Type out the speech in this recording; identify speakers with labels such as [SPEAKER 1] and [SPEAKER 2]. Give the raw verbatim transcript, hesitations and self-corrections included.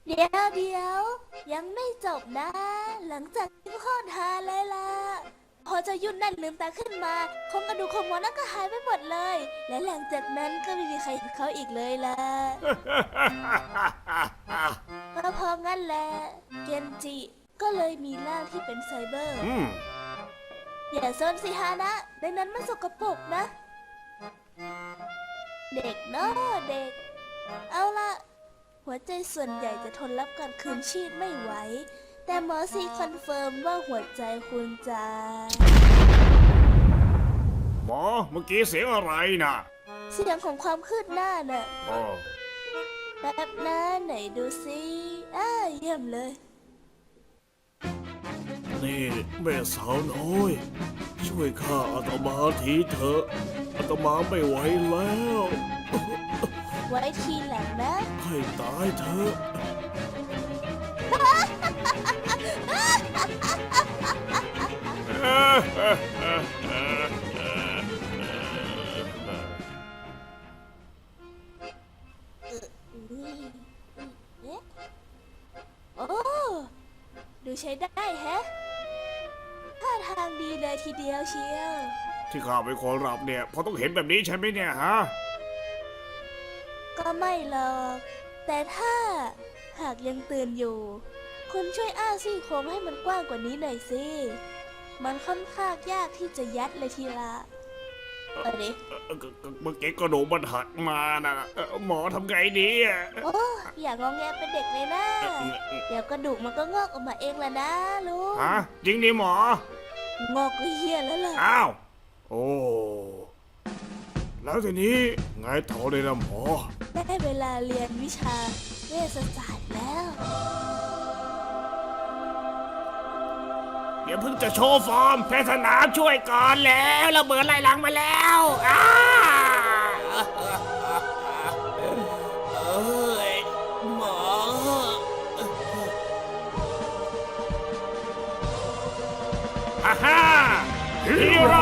[SPEAKER 1] เดี๋ยวเดี๋ยวยังไม่จบนะ หลังจากที่โคตรฮาเลยล่ะ พอเจะยุ่นนั่นลืมตาขึ้นมาโครงกระดูกของหมอนั่นก็หายไปหมดเลย และหลังจากนั้นก็ไม่มีใครเห็นเขาอีกเลยล่ะ ก็เพราะงั้นแหละเกนจิก็เลยมีร่างที่เป็นไซเบอร์
[SPEAKER 2] อืม
[SPEAKER 1] อย่าซนสิฮานะในนั้นมันสกปรกนะ เด็กเนาะเด็ก เอาล่ะ หัวใจส่วนใหญ่จะทนรับการคืนชีพไม่ไหว แต่หมอซีคอนเฟิร์มว่าหัวใจคุณจะ
[SPEAKER 2] หมอเมื่อกี้เสียงอะไรน่ะ
[SPEAKER 1] เสียงของความคืบหน้าน่ะ
[SPEAKER 2] อ๋อ
[SPEAKER 1] แป๊บนะไหนดูสิอ้าเยี่ยมเลย
[SPEAKER 2] นี่แม่สาวน้อย ช่วยข้าอาตมาทีเถอะอาตมาไม่ไหวแล้ว
[SPEAKER 1] ไว้ทีหลังนะ
[SPEAKER 2] ให้ตายเถอะ
[SPEAKER 1] เอ๊ะโอ้ดูใช้ได้แฮะท่าทางดีเลยทีเดียวเชียว
[SPEAKER 2] ที่ข้าเป็นคนรับเนี่ยเพราะต้องเห็นแบบนี้ใช่ไหมเนี่ยฮะ
[SPEAKER 1] ก็ไม่หรอก แต่ถ้าหากยังตื่นอยู่ คุณช่วยอ้าซี่โครงให้มันกว้างกว่านี้หน่อยสิ มันค่อนข้างยากที่จะยัดเลยทีละเอาดิ
[SPEAKER 2] เอ่อเอ่อเมื่อกี้กระดูกมันหักมานะเอ่อหมอทำไงดีอ่ะ
[SPEAKER 1] โอ้อย่างงองแงเป็นเด็กเลยนะ เดี๋ยวกระดูกมันก็งอกออกมาเองแหละนะลุง
[SPEAKER 2] ฮะจริงดิหมอ
[SPEAKER 1] งอกก็เฮี้ยแล้วล่ะ
[SPEAKER 2] อ้าว โอ้ แล้วทีนี้ไงต่อเลยนะหมอ
[SPEAKER 1] ได้เวลาเรียนวิชาเวชศาสตร์แล้ว
[SPEAKER 2] เดี๋ยวเพิ่งจะโชว์ฟอร์มแพทย์สนามช่วยก่อนแล้วระเบิดไล่หลังมาแล้วอ้าเอ้ยหมอฮ่าฮ่าฮีโร่